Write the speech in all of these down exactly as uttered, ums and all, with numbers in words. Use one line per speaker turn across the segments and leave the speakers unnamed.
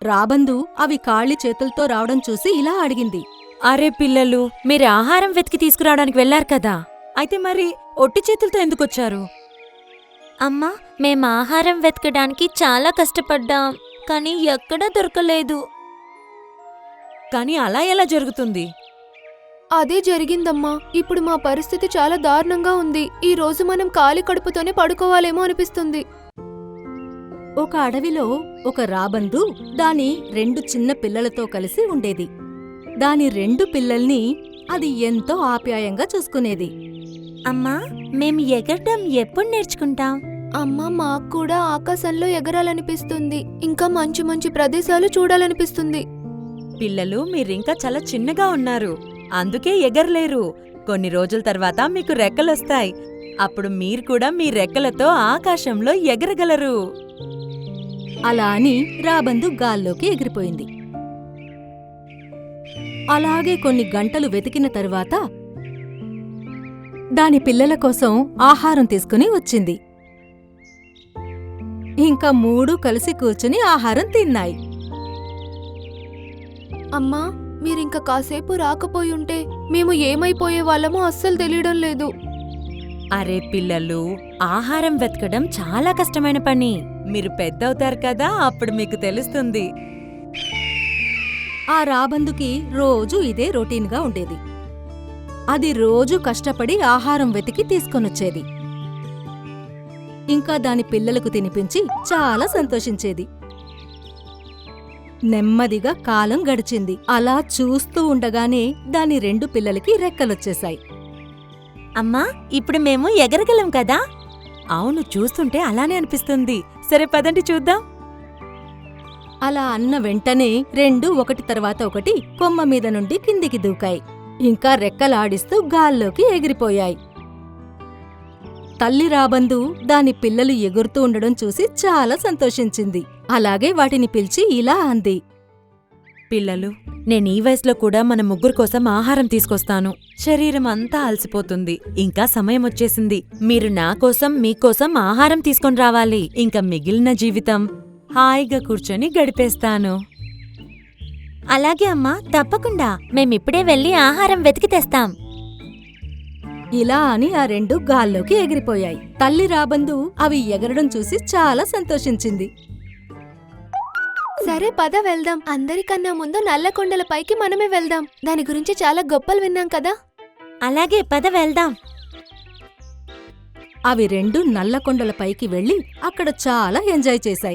రాబందు అవి ఖాళీ చేతులతో రావడం చూసి ఇలా అడిగింది.
అరే పిల్లలు, మీరు ఆహారం వెతికి తీసుకురావడానికి వెళ్లారు కదా, అయితే మరి ఒట్టి చేతులతో ఎందుకొచ్చారు?
అమ్మా, మేం ఆహారం వెతకడానికి చాలా కష్టపడ్డాం, కానీ ఎక్కడా దొరకలేదు.
కానీ అలా ఎలా జరుగుతుంది?
అదే జరిగిందమ్మా. ఇప్పుడు మా పరిస్థితి చాలా దారుణంగా ఉంది. ఈ రోజు మనం ఖాళీ కడుపుతోనే పడుకోవాలేమో అనిపిస్తుంది.
ఒక అడవిలో ఒక రాబందు దాని రెండు చిన్న పిల్లలతో కలిసి ఉండేది. దాని రెండు పిల్లల్ని అది ఎంతో ఆప్యాయంగా చూసుకునేది.
అమ్మా, మేం ఎగరడం ఎప్పుడు నేర్చుకుంటాం?
అమ్మా, మాకు కూడా ఆకాశంలో ఎగరాలనిపిస్తుంది. ఇంకా మంచి మంచి ప్రదేశాలు చూడాలనిపిస్తుంది.
పిల్లలు, మీరింకా చాలా చిన్నగా ఉన్నారు, అందుకే ఎగరలేరు. కొన్ని రోజుల తర్వాత మీకు రెక్కలొస్తాయి. అప్పుడు మీరు కూడా మీ రెక్కలతో ఆకాశంలో ఎగరగలరు.
అలా అని రాబందు గాల్లోకి ఎగిరిపోయింది. అలాగే కొన్ని గంటలు వెతికిన తరువాత దాని పిల్లల కోసం ఆహారం తీసుకుని వచ్చింది. ఇంకా మూడు కలిసి కూర్చుని ఆహారం తిన్నాయి.
అమ్మా, మీరింక కాసేపు రాకపోయుంటే మేము ఏమైపోయే వాళ్ళమో అస్సలు తెలియడం లేదు.
అరే పిల్లలు, ఆహారం వెతకడం చాలా కష్టమైన పని. మీరు పెద్దవుతారు కదా, అప్పుడు మీకు తెలుస్తుంది.
ఆ రాబందుకి రోజూ ఇదే రొటీన్గా ఉండేది. అది రోజూ కష్టపడి ఆహారం వెతికి తీసుకొనొచ్చేది. ఇంకా దాని పిల్లలకు తినిపించి చాలా సంతోషించేది. నెమ్మదిగా కాలం గడిచింది. అలా చూస్తూ ఉండగానే దాని రెండు పిల్లలకి రెక్కలొచ్చేశాయి.
అమ్మా, ఇప్పుడు మేము ఎగరగలం కదా?
అవును, చూస్తుంటే అలానే అనిపిస్తుంది. సరే పదండి చూద్దాం.
అలా అన్న వెంటనే రెండు ఒకటి తర్వాత ఒకటి కొమ్మ మీద నుండి కిందికి దూకాయి. ఇంకా రెక్కలాడిస్తూ గాల్లోకి ఎగిరిపోయాయి. తల్లి రాబందు దాని పిల్లలు ఎగురుతూ ఉండడం చూసి చాలా సంతోషించింది. అలాగే వాటిని పిలిచి ఇలా అంది.
పిల్లలు, నేను ఈ వయసులో కూడా మన ముగ్గురు కోసం ఆహారం తీసుకొస్తాను. శరీరం అంతా అలసిపోతుంది, ఇంకా సమయం వచ్చేసింది. మీరు నా కోసం మీకోసం ఆహారం తీసుకొని రావాలి. ఇంకా మిగిలిన జీవితం హాయిగా కూర్చొని గడిపేస్తాను.
అలాగే అమ్మా, తప్పకుండా. మేమిప్పుడే వెళ్ళి ఆహారం వెతికి తెస్తాం.
ఇలా అని ఆ రెండు గాల్లోకి ఎగిరిపోయాయి. తల్లి రాబందు అవి ఎగరడం చూసి చాలా సంతోషించింది.
సరే పద వెళ్దాం. అందరికన్నా ముందు నల్లకొండల పైకి మనమే వెళ్దాం. దాని గురించి చాలా గొప్పలు విన్నాం కదా.
అలాగే పద వెళ్దాం.
అవి రెండు నల్లకొండల పైకి వెళ్లి అక్కడ చాలా ఎంజాయ్ చేశాయి.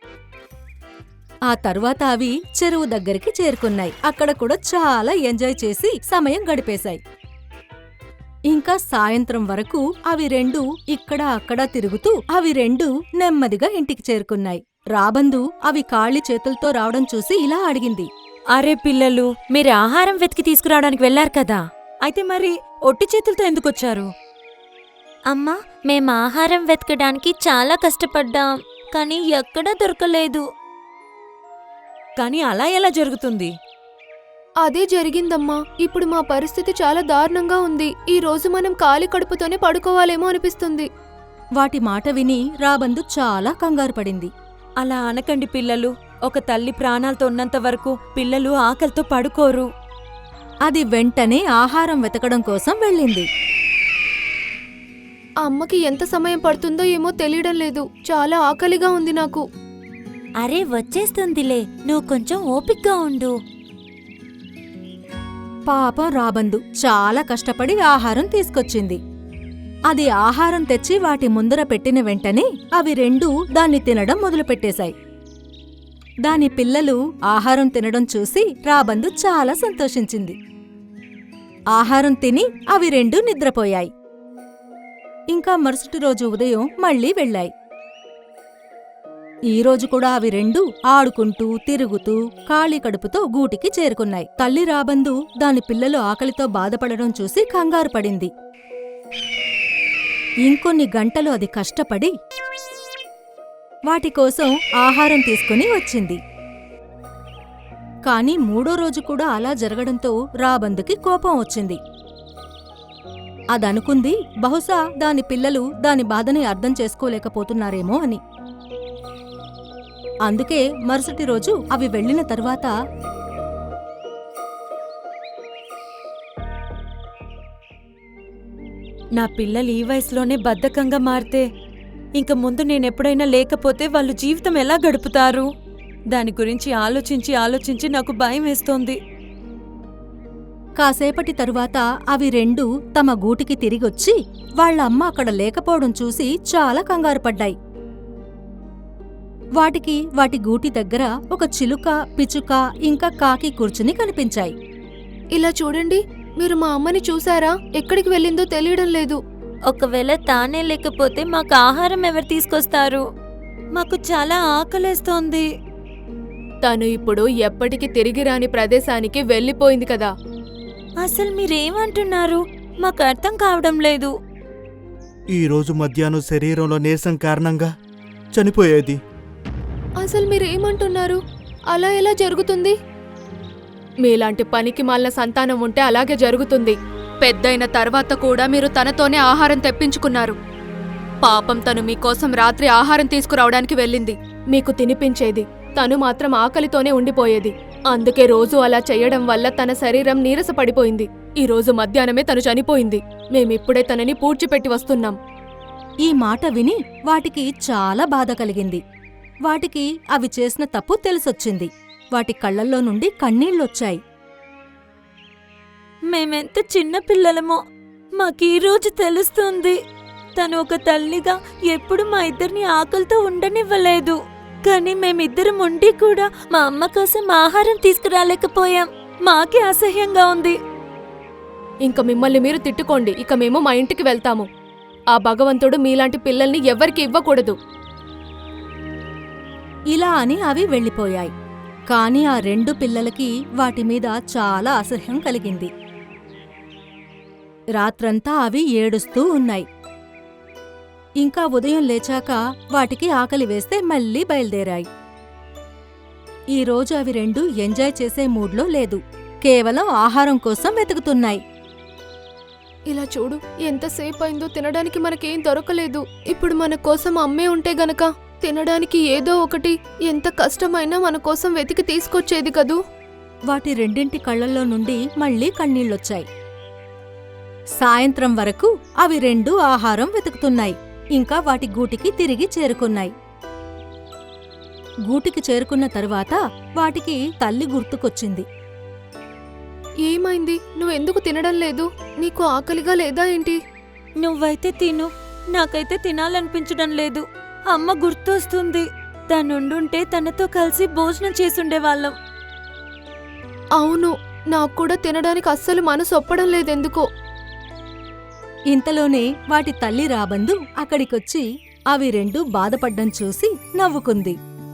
ఆ తర్వాత అవి చెరువు దగ్గరికి చేరుకున్నాయి. అక్కడ కూడా చాలా ఎంజాయ్ చేసి సమయం గడిపేశాయి. ఇంకా సాయంత్రం వరకు అవి రెండు ఇక్కడ అక్కడా తిరుగుతూ అవి రెండు నెమ్మదిగా ఇంటికి చేరుకున్నాయి. రాబందు అవి ఖాళీ చేతులతో రావడం చూసి ఇలా అడిగింది.
అరే పిల్లలు, మీరు ఆహారం వెతికి తీసుకురావడానికి వెళ్లారు కదా, అయితే మరి ఒట్టి చేతులతో ఎందుకొచ్చారు?
అమ్మా, మేం ఆహారం వెతకడానికి చాలా కష్టపడ్డాం, కానీ ఎక్కడా దొరకలేదు.
కానీ అలా ఎలా జరుగుతుంది?
అదే జరిగిందమ్మా. ఇప్పుడు మా పరిస్థితి చాలా దారుణంగా ఉంది. ఈ రోజు మనం ఖాళీ కడుపుతోనే పడుకోవాలేమో అనిపిస్తుంది.
వాటి మాట విని రాబందు చాలా కంగారు పడింది.
అలా అనకండి పిల్లలు. ఒక తల్లి ప్రాణాలతో ఉన్నంత వరకు పిల్లలు ఆకలితో పడుకోరు.
అది వెంటనే ఆహారం వెతకడం కోసం వెళ్ళింది.
అమ్మకి ఎంత సమయం పడుతుందో ఏమో తెలియడం లేదు. చాలా ఆకలిగా ఉంది నాకు.
అరే వచ్చేస్తుందిలే, నువ్వు కొంచెం ఓపిగ్గా ఉండు.
పాపం రాబందు చాలా కష్టపడి ఆహారం తీసుకొచ్చింది. అది ఆహారం తెచ్చి వాటి ముందర పెట్టిన వెంటనే అవి రెండూ దాన్ని తినడం మొదలుపెట్టేశాయి. దాని పిల్లలు ఆహారం తినడం చూసి రాబందు చాలా సంతోషించింది. ఆహారం తిని అవి రెండూ నిద్రపోయాయి. ఇంకా మరుసటి రోజు ఉదయం మళ్లీ వెళ్ళాయి. ఈరోజు కూడా అవి రెండు ఆడుకుంటూ తిరుగుతూ ఖాళీ కడుపుతో గూటికి చేరుకున్నాయి. తల్లి రాబందు దాని పిల్లలు ఆకలితో బాధపడడం చూసి కంగారు పడింది. ఇంకొన్ని గంటలు అది కష్టపడి వాటికోసం ఆహారం తీసుకుని వచ్చింది. కాని మూడో రోజు కూడా అలా జరగడంతో రాబందుకి కోపం వచ్చింది. అదనుకుంది బహుశా దాని పిల్లలు దాని బాధని అర్థం చేసుకోలేకపోతున్నారేమో అని. అందుకే మరుసటి రోజు అవి వెళ్ళిన తరువాత
నా పిల్లలు ఈ వయసులోనే బద్ధకంగా మారితే ఇంక ముందు నేనెప్పుడైనా లేకపోతే వాళ్ళు జీవితం ఎలా గడుపుతారు? దాని గురించి ఆలోచించి ఆలోచించి నాకు భయం వేస్తోంది.
కాసేపటి తరువాత అవి రెండు తమ గూటికి తిరిగొచ్చి వాళ్ళ అమ్మ అక్కడ లేకపోవడం చూసి చాలా కంగారుపడ్డాయి. వాటికి వాటి గూటి దగ్గర ఒక చిలుక, పిచుక ఇంకా కాకి కూర్చుని కనిపించాయి.
ఇలా చూడండి, మీరు మా అమ్మని చూసారా? ఎక్కడికి వెళ్ళిందో తెలియడం లేదు.
ఒకవేళ తానే లేకపోతే మాకు ఆహారం ఎవరు తీసుకొస్తారు?
మాకు చాలా ఆకలేస్తోంది.
తను ఇప్పుడు ఎప్పటికి తిరిగి రాని ప్రదేశానికి వెళ్ళిపోయింది కదా.
అసలు మీరేమంటున్నారు? మాకు అర్థం కావడం లేదు.
ఈరోజు మధ్యాహ్నం శరీరంలో నీరసం కారణంగా చనిపోయేది.
అసలు మీరేమంటున్నారు? అలా ఎలా జరుగుతుంది? మీలాంటి పనికి మాలిన సంతానం ఉంటే అలాగే జరుగుతుంది. పెద్దయిన తర్వాత కూడా మీరు తనతోనే ఆహారం తెప్పించుకున్నారు. పాపం తను మీకోసం రాత్రి ఆహారం తీసుకురావడానికి వెళ్ళింది, మీకు తినిపించేది. తను మాత్రం ఆకలితోనే ఉండిపోయేది. అందుకే రోజు అలా చెయ్యడం వల్ల తన శరీరం నీరసపడిపోయింది. ఈ రోజు మధ్యాహ్నమే తను చనిపోయింది. మేమిప్పుడే తనని పూడ్చిపెట్టి వస్తున్నాం.
ఈ మాట విని వాటికి చాలా బాధ కలిగింది. వాటికి అవి చేసిన తప్పు తెలిసొచ్చింది. వాటి కళ్ళల్లో నుండి కన్నీళ్లొచ్చాయి.
మేమెంత చిన్న పిల్లలమో మాకీరోజు తెలుస్తుంది. తను ఒక తల్లిగా ఎప్పుడు మా ఇద్దరిని ఆకలితో ఉండనివ్వలేదు. కానీ మేమిద్దరం ఉండి కూడా మా అమ్మ కోసం ఆహారం తీసుకురాలేకపోయాం. మాకే అసహ్యంగా ఉంది.
ఇంక మిమ్మల్ని మీరు తిట్టుకోండి. ఇక మేము మా ఇంటికి వెళ్తాము. ఆ భగవంతుడు మీలాంటి పిల్లల్ని ఎవ్వరికి ఇవ్వకూడదు.
ఇలా అని అవి వెళ్ళిపోయాయి. కాని ఆ రెండు పిల్లలకి వాటిమీద చాలా అసహ్యం కలిగింది. రాత్రంతా అవి ఏడుస్తూ ఉన్నాయి. ఇంకా ఉదయం లేచాక వాటికి ఆకలి వేస్తే మళ్ళీ బయలుదేరాయి. ఈరోజు అవి రెండు ఎంజాయ్ చేసే మూడ్లో లేదు. కేవలం ఆహారం కోసం వెతుకుతున్నాయి.
ఇలా చూడు, ఎంతసేపు అయిందో తినడానికి మనకేం దొరకలేదు. ఇప్పుడు మన కోసం అమ్మే ఉంటే గనక తినడానికి ఏదో ఒకటి ఎంత కష్టమైనా మన కోసం వెతికి తీసుకొచ్చేది కదూ.
వాటి రెండింటి కళ్ళల్లో నుండి మళ్ళీ కన్నీళ్లొచ్చాయి. సాయంత్రం వరకు అవి రెండు ఆహారం వెతుకుతున్నాయి. ఇంకా వాటి గూటికి తిరిగి చేరుకున్నాయి. గూటికి చేరుకున్న తరువాత వాటికి తల్లి గుర్తుకొచ్చింది.
ఏమైంది? నువ్వెందుకు తినడం లేదు? నీకు ఆకలిగా లేదా ఏంటి?
నువ్వైతే తిను, నాకైతే తినాలనిపించడం లేదు. అమ్మ గుర్తొస్తుంది. తనుండుంటే తనతో కలిసి భోజనం చేసుండేవాళ్ళం.
అవును, నాకు కూడా తినడానికి అస్సలు మనసు ఒప్పడం లేదెందుకో.
ఇంతలోనే వాటి తల్లి రాబందు అక్కడికొచ్చి అవి రెండు బాధపడ్డం చూసి నవ్వుకుంది.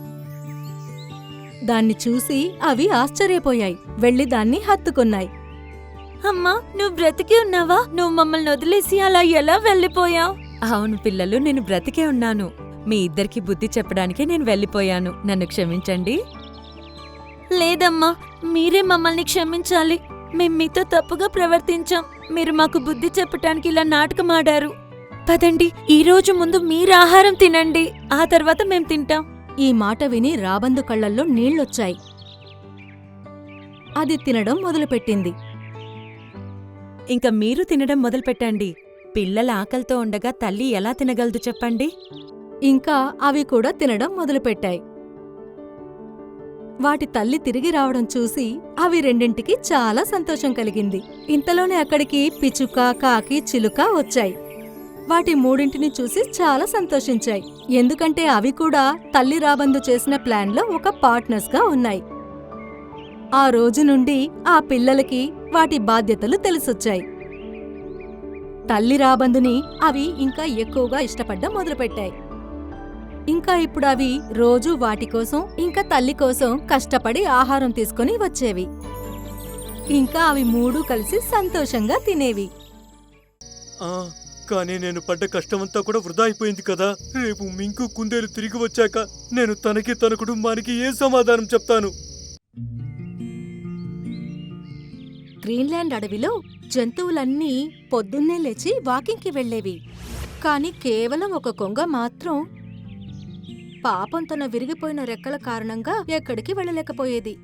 దాన్ని చూసి అవి ఆశ్చర్యపోయాయి. వెళ్లి దాన్ని హత్తుకున్నాయి.
అమ్మా, నువ్వు బ్రతికి ఉన్నావా? నువ్వు మమ్మల్ని వదిలేసి అలా ఎలా వెళ్ళిపోయావు?
అవును పిల్లలు, నేను బ్రతికే ఉన్నాను. మీ ఇద్దరికి బుద్ధి చెప్పడానికే నేను వెళ్ళిపోయాను. నన్ను క్షమించండి.
లేదమ్మా, మీరే మమ్మల్ని క్షమించాలి. మేం మీతో తప్పుగా ప్రవర్తించాం. మీరు మాకు బుద్ధి చెప్పటానికి ఇలా నాటకం ఆడారు. పదండి, ఈ రోజు ముందు మీరు ఆహారం తినండి, ఆ తర్వాత మేం తింటాం.
ఈ మాట విని రాబందు కళ్ళల్లో నీళ్లొచ్చాయి. అది తినడం మొదలుపెట్టింది.
ఇంక మీరు తినడం మొదలుపెట్టండి. పిల్లల ఆకలితో ఉండగా తల్లి ఎలా తినగలదు చెప్పండి?
ఇంకా అవి కూడా తినడం మొదలుపెట్టాయి. వాటి తల్లి తిరిగి రావడం చూసి అవి రెండింటికి చాలా సంతోషం కలిగింది. ఇంతలోనే అక్కడికి పిచుక, కాకి, చిలుక వచ్చాయి. వాటి మూడింటిని చూసి చాలా సంతోషించాయి. ఎందుకంటే అవి కూడా తల్లి రాబందు చేసిన ప్లాన్లో ఒక పార్ట్నర్స్గా ఉన్నాయి. ఆ రోజు నుండి ఆ పిల్లలకి వాటి బాధ్యతలు తెలిసొచ్చాయి. తల్లి రాబందుని అవి ఇంకా ఎక్కువగా ఇష్టపడ్డం మొదలుపెట్టాయి. ఇంకా ఇప్పుడు అవి రోజూ వాటి కోసం ఇంకా తల్లి కోసం కష్టపడి ఆహారం తీసుకుని వచ్చేవి. ఇంకా అవి మూడూ కలిసి సంతోషంగా తినేవి.
ఆ, కానీ నేను పడ్డ కష్టమంతా కూడా వృధా అయిపోయింది కదా. రేపు మింకు, కుందేలు తిరిగి వచ్చాక నేను తనకి తన కుటుంబానికి ఏ సమాధానం చెప్తాను?
గ్రీన్లాండ్ అడవిలో జంతువులన్నీ పొద్దున్నే లేచి వాకింగ్కి వెళ్లేవి. కాని కేవలం ఒక కొంగ మాత్రం పాపం తన విరిగిపోయిన రెక్కల కారణంగా ఎక్కడికి వెళ్ళలేకపోయేది.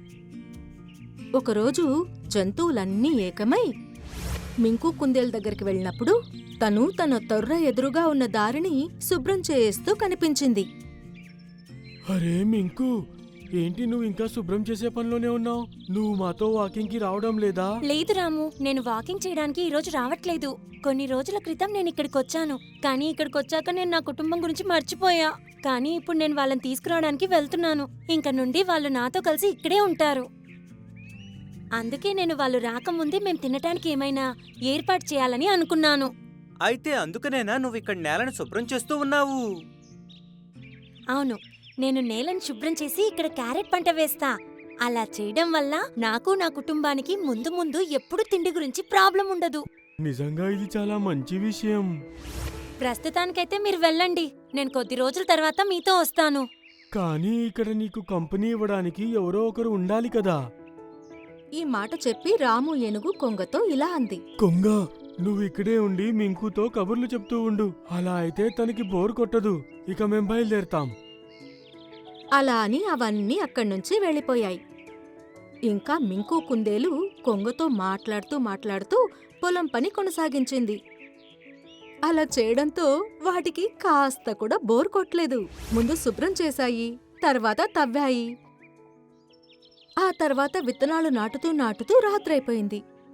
ఒకరోజు జంతువులన్నీ ఏకమై మింకు కుందేలు దగ్గరికి వెళ్ళినప్పుడు తను తన తొర్ర ఎదురుగా ఉన్న దారిని శుభ్రం చేస్తూ కనిపించింది.
అరే మింకు, ఏంటి నువ్వు ఇంకా శుభ్రం చేసే పనిలోనే ఉన్నావు? నువ్వు మాతో వాకింగ్ కి రావడం లేదా?
లేదు రాము, నేను వాకింగ్ చేయడానికి ఈ రోజు రావట్లేదు. కొన్ని రోజుల క్రితం నేను ఇక్కడికి వచ్చాను, కానీ ఇక్కడికి వచ్చాక నేను నా కుటుంబం గురించి మర్చిపోయా. కానీ ఇప్పుడు నేను వాళ్ళని తీసుకురావడానికి వెళ్తున్నాను. ఇంక నుండి వాళ్ళు నాతో కలిసి ఇక్కడే ఉంటారు. అందుకే నేను వాళ్ళు రాకముందే మేం తినటానికి ఏమైనా ఏర్పాటు చేయాలని అనుకున్నాను.
అయితే అందుకనేనా నువ్వు ఇక్కడ నేలను శుభ్రం చేస్తూ ఉన్నావు?
అవును, నేను నేలను శుభ్రం చేసి ఇక్కడ క్యారెట్ పంట వేస్తా. అలా చేయడం వల్ల నాకు నా కుటుంబానికి ముందు ముందు ఎప్పుడు తిండి గురించి ప్రాబ్లం ఉండదు.
నిజంగా ఇది చాలా మంచి విషయం.
ప్రస్తుతానికైతే మీరు వెళ్ళండి, నేను కొద్ది రోజుల తర్వాత మీతో వస్తాను.
కానీ ఇక్కడ నీకు కంపెనీ ఇవ్వడానికి ఎవరో ఒకరు ఉండాలి కదా.
ఈ మాట చెప్పి రాము ఏనుగు కొంగతో ఇలా అంది.
కొంగ, నువ్వు ఇక్కడే ఉండి మింకుతో కబుర్లు చెప్తూ ఉండు. అలా అయితే తనకి బోర్ కొట్టదు. ఇక మేం బయలుదేరతాం.
అలా అని అవన్నీ అక్కడ్నుంచి వెళ్ళిపోయాయి. ఇంకా మింకు కుందేలు కొంగతో మాట్లాడుతూ మాట్లాడుతూ పొలం పని కొనసాగించింది. అలా చేయడంతో వాటికి కాస్త కూడా బోర్ కొట్టలేదు. ముందు శుభ్రం చేశాయి, తర్వాత తవ్వాయి. ఆ తర్వాత విత్తనాలు నాటుతూ నాటుతూ రాత్రైపోయింది.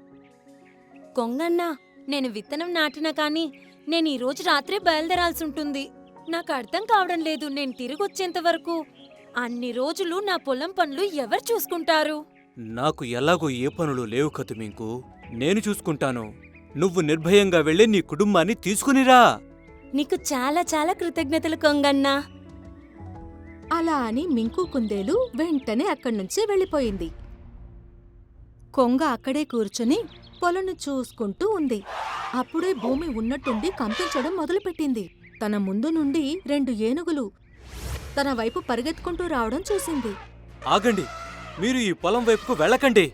కొంగన్నా, నేను విత్తనం నాటినా కానీ నేను ఈ రోజు రాత్రే బయలుదేరాల్సి ఉంటుంది. నాకు అర్థం కావడం లేదు, నేను తిరిగొచ్చేంత వరకు అన్ని రోజులు నా పొలం పనులు ఎవరు చూసుకుంటారు?
నాకు ఎలాగో ఏ పనులు లేవు కదు మింకు, నేను చూసుకుంటాను. నువ్వు నిర్భయంగా వెళ్ళి నీ కుటుంబాన్ని తీసుకునిరా.
నీకు చాలా చాలా కృతజ్ఞతలు కొంగన్నా.
అలా అని మింకు కుందేలు వెంటనే అక్కడ్నుంచి వెళ్ళిపోయింది. కొంగ అక్కడే కూర్చుని పొలను చూసుకుంటూ ఉంది. అప్పుడే భూమి ఉన్నట్టుండి కంపించడం మొదలుపెట్టింది. తన ముందు నుండి రెండు ఏనుగులు తన వైపు పరిగెత్తుకుంటూ రావడం చూసింది.
ఆగండి, మీరు ఈ పొలం వైపుకు వెళ్ళకండి.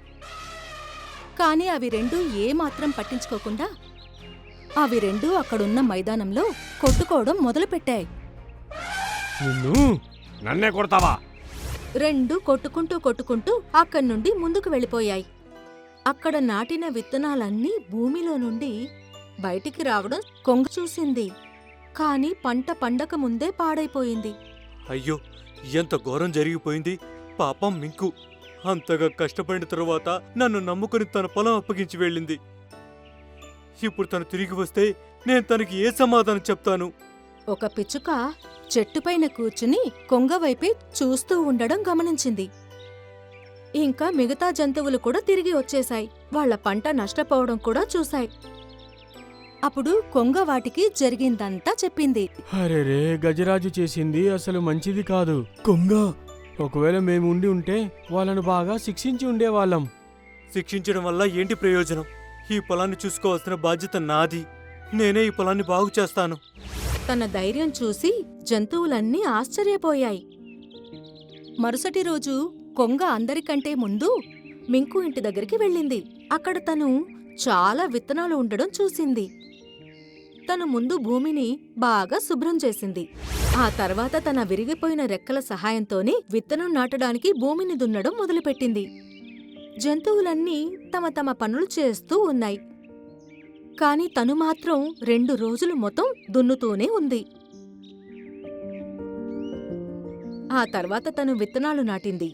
కాని అవి రెండూ ఏమాత్రం పట్టించుకోకుండా అవి రెండూ అక్కడున్న మైదానంలో కొట్టుకోవడం మొదలుపెట్టాయి.
నిన్ను నన్నే కొడతావా?
రెండు కొట్టుకుంటూ కొట్టుకుంటూ అక్కడి నుండి ముందుకు వెళ్ళిపోయాయి. అక్కడ నాటిన విత్తనాలన్నీ భూమిలో నుండి బయటికి రావడం కొంగ చూసింది. కాని పంట పండక ముందే పాడైపోయింది.
అయ్యో, ఎంత ఘోరం జరిగిపోయింది. పాపం మింకు అంతగా కష్టపడిన తరువాత నన్ను నమ్ముకుని తన పొలం అప్పగించి వెళ్ళింది. ఇప్పుడు తను తిరిగి వస్తే నేను తనకి ఏ సమాధానం చెప్తాను?
ఒక పిచ్చుక చెట్టుపైన కూర్చుని కొంగవైపే చూస్తూ ఉండడం గమనించింది. ఇంకా మిగతా జంతువులు కూడా తిరిగి వచ్చేశాయి. వాళ్ల పంట నష్టపోవడం కూడా చూశాయి. అప్పుడు కొంగ వాటికి జరిగిందంతా చెప్పింది.
అరెరే, గజరాజు చేసింది అసలు మంచిది కాదు. కొంగ, ఒకవేళ మేము ఉండి ఉంటే వాళ్ళను బాగా శిక్షించి ఉండేవాళ్ళం. శిక్షించడం వల్ల ఏంటి ప్రయోజనం? ఈ పొలాన్ని చూసుకోవాల్సిన బాధ్యత నాది. నేనే ఈ పొలాన్ని బాగు చేస్తాను.
తన ధైర్యం చూసి జంతువులన్నీ ఆశ్చర్యపోయాయి. మరుసటి రోజు కొంగ అందరికంటే ముందు మింకు ఇంటి దగ్గరికి వెళ్ళింది. అక్కడ తను చాలా విత్తనాలు ఉండడం చూసింది. తను ముందు భూమిని బాగా శుభ్రం చేసింది. ఆ తర్వాత తన విరిగిపోయిన రెక్కల సహాయంతోనే విత్తనం నాటడానికి భూమిని దున్నడం మొదలుపెట్టింది. జంతువులన్నీ తమ తమ పనులు చేస్తూ ఉన్నాయి. కాని తను మాత్రం రెండు రోజులు మొత్తం దున్నుతూనే ఉంది. ఆ తర్వాత తను విత్తనాలు నాటింది.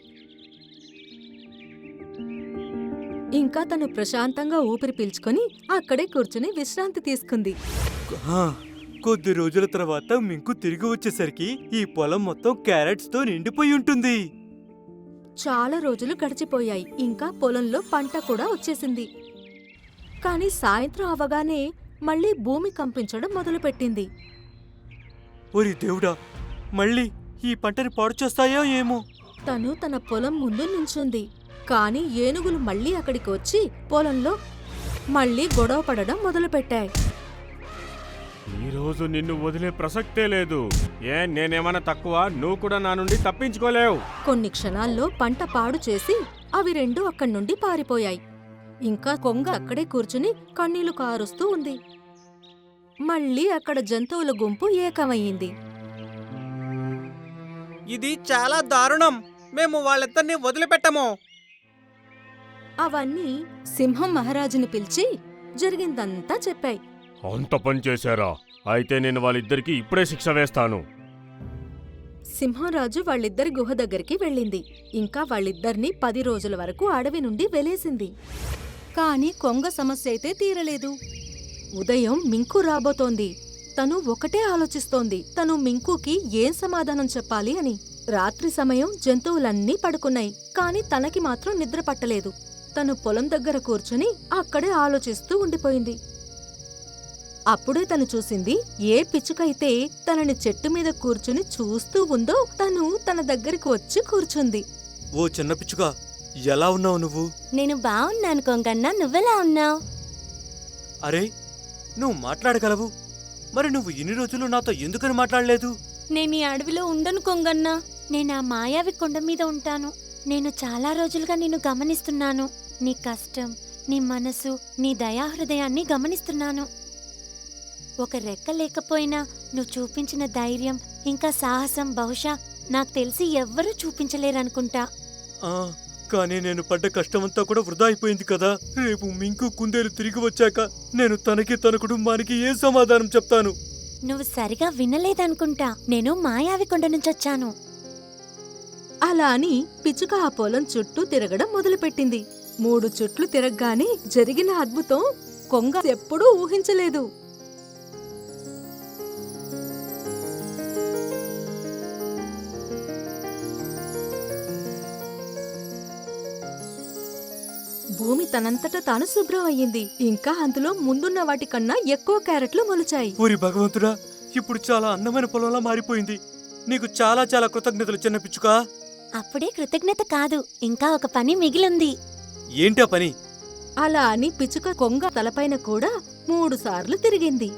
ఇంకా తను ప్రశాంతంగా ఊపిరి పీల్చుకొని అక్కడే కూర్చుని విశ్రాంతి తీసుకుంది.
ఆ, కొద్ది రోజుల తర్వాత మింకు తిరిగి వచ్చేసరికి ఈ పొలం మొత్తం క్యారెట్స్ తో నిండిపోయి ఉంటుంది.
చాలా రోజులు గడిచిపోయాయి. ఇంకా పొలంలో పంట కూడా వచ్చేసింది. కాని సాయంత్రం అవగానే మళ్లీ భూమి కంపించడం మొదలుపెట్టింది.
ఓరి దేవుడా, మళ్ళీ ఈ పంటని పాడు చేస్తాయో ఏమో.
తను తన పొలం ముందు నించుంది. కాని ఏనుగులు మళ్లీ అక్కడికి వచ్చి పొలంలో మళ్లీ గొడవ పడడం మొదలుపెట్టాయి.
ఈ రోజు నిన్ను వదిలే ప్రసక్తే లేదు. ఏ నేనేమన్నా తక్కువ? నువ్వు కూడా నా నుండి తప్పించుకోలేవు.
కొన్ని క్షణాల్లో పంట పాడు చేసి అవి రెండు అక్కడి నుండి పారిపోయాయి. ఇంకా కొంగ అక్కడే కూర్చుని కన్నీళ్లు కారుస్తూ ఉంది. మళ్ళీ అక్కడ జంతువుల గుంపు ఏకమయ్యింది.
ఇది చాలా దారుణం. మేము వాళ్ళిద్దరిని వదిలిపెట్టము.
అవన్నీ సింహం మహారాజుని పిలిచి జరిగిందంతా చెప్పాయి.
అంత పని చేశారా? అయితే నేను వాళ్ళిద్దరికి ఇప్పుడే శిక్ష వేస్తాను.
సింహంరాజు వాళ్ళిద్దరి గుహ దగ్గరికి వెళ్ళింది. ఇంకా వాళ్ళిద్దరినీ పది రోజుల వరకు అడవి నుండి వెలేసింది. కాని కొంగ సమస్య అయితే తీరలేదు. ఉదయం మింకు రాబోతోంది. తను ఒకటే ఆలోచిస్తోంది, తను మింకుకి ఏం సమాధానం చెప్పాలి అని. రాత్రి సమయం జంతువులన్నీ పడుకున్నాయి, కాని తనకి మాత్రం నిద్ర పట్టలేదు. తను పొలం దగ్గర కూర్చుని అక్కడే ఆలోచిస్తూ ఉండిపోయింది. అప్పుడే తను చూసింది, ఏ పిచ్చుకైతే తనని చెట్టు మీద కూర్చుని చూస్తూ ఉందో తను తన దగ్గరికి వచ్చి కూర్చుంది.
ఓ చిన్న పిచ్చుక, ఎలా ఉన్నావు నువ్వు?
నేను బావున్నాను కొంగన్నా, నువ్వెలా ఉన్నావు?
అరే, నువ్వు మాట్లాడగలవు. మరి నువ్వు ఇన్ని రోజులు నాతో ఎందుకని మాట్లాడలేదు?
నేను ఈ అడవిలో ఉండను కొంగన్నా. నేను ఆ మాయావి కొండ మీద ఉంటాను. నేను చాలా రోజులుగా నిన్ను గమనిస్తున్నాను. నీ కష్టం, నీ మనసు, నీ దయాహృదయాన్ని గమనిస్తున్నాను. ఒక రెక్క లేకపోయినా నువ్వు చూపించిన ధైర్యం ఇంకా సాహసం బహుశా నాకు తెలిసి ఎవ్వరూ చూపించలేరనుకుంటా.
ఆ, కానీ నేను పడ్డ కష్టమంతా కూడా వృధా అయిపోయింది కదా. రేపు మింకు కుందేలు తిరిగి వచ్చాక నేను తనకి తన కుటుంబానికి ఏ సమాధానం చెప్తాను?
నువ్వు సరిగా వినలేదనుకుంటా. నేను మాయావి కొండ నుంచొచ్చాను.
అలా అని పిచ్చుక ఆ పొలం చుట్టూ తిరగడం మొదలుపెట్టింది. మూడు చుట్లు తిరగగానే జరిగిన అద్భుతం కొంగ ఎప్పుడూ ఊహించలేదు. భూమి తనంతట తాను శుభ్రం అయ్యింది. ఇంకా అందులో ముందున్న వాటికన్నా ఎక్కువ క్యారెట్లు మొలిచాయి.
ఓరి భగవంతుడా, ఇప్పుడు చాలా అందమైన పొలంలా మారిపోయింది. నీకు చాలా చాలా కృతజ్ఞతలు చిన్న పిచ్చుకా.
అప్పుడే కృతజ్ఞత కాదు, ఇంకా ఒక పని మిగిలింది.
ఏంటా పని?
అలా అని పిచ్చుక కొంగ తలపైన కూడా మూడు సార్లు తిరిగింది.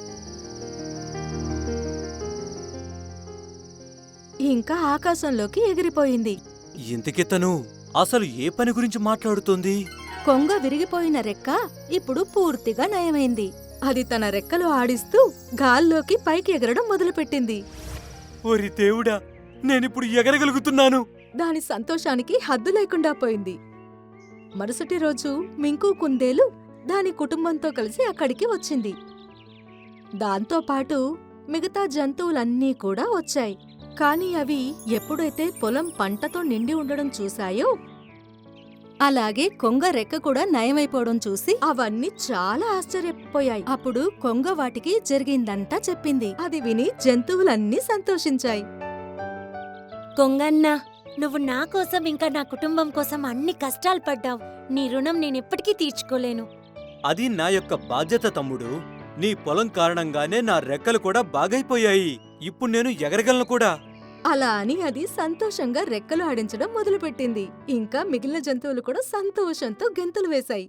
ఇంకా ఆకాశంలోకి ఎగిరిపోయింది.
ఇంతకీ తను అసలు ఏ పని గురించి మాట్లాడుతోంది?
కొంగ విరిగిపోయిన రెక్క ఇప్పుడు పూర్తిగా నయమైంది. అది తన రెక్కలు ఆడిస్తూ గాల్లోకి పైకి ఎగరడం మొదలుపెట్టింది.
ఓరి దేవుడా, నేనిప్పుడు ఎగరగలుగుతున్నాను.
దాని సంతోషానికి హద్దు లేకుండా పోయింది. మరుసటి రోజు మింకు కుందేలు దాని కుటుంబంతో కలిసి అక్కడికి వచ్చింది. దాంతోపాటు మిగతా జంతువులన్నీ కూడా వచ్చాయి. కాని అవి ఎప్పుడైతే పొలం పంటతో నిండి ఉండడం చూశాయో, అలాగే కొంగ రెక్క కూడా నయమైపోవడం చూసి అవన్నీ చాలా ఆశ్చర్యపోయాయి. అప్పుడు కొంగ వాటికి జరిగిందంతా చెప్పింది. అది విని జంతువులన్నీ సంతోషించాయి.
కొంగన్నా, నువ్వు నా కోసం ఇంకా నా కుటుంబం కోసం అన్ని కష్టాలు పడ్డావు. నీ రుణం నేనెప్పటికీ తీర్చుకోలేను.
అది నా యొక్క బాధ్యత తమ్ముడు. నీ పొలం కారణంగానే నా రెక్కలు కూడా బాగైపోయాయి. ఇప్పుడు నేను ఎగరగలను కూడా.
అలా అని అది సంతోషంగా రెక్కలు ఆడించడం మొదలుపెట్టింది. ఇంకా మిగిలిన జంతువులు కూడా సంతోషంతో గెంతులు వేశాయి.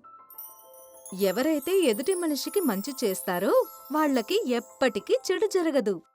ఎవరైతే ఎదుటి మనిషికి మంచి చేస్తారో వాళ్లకి ఎప్పటికీ చెడు జరగదు.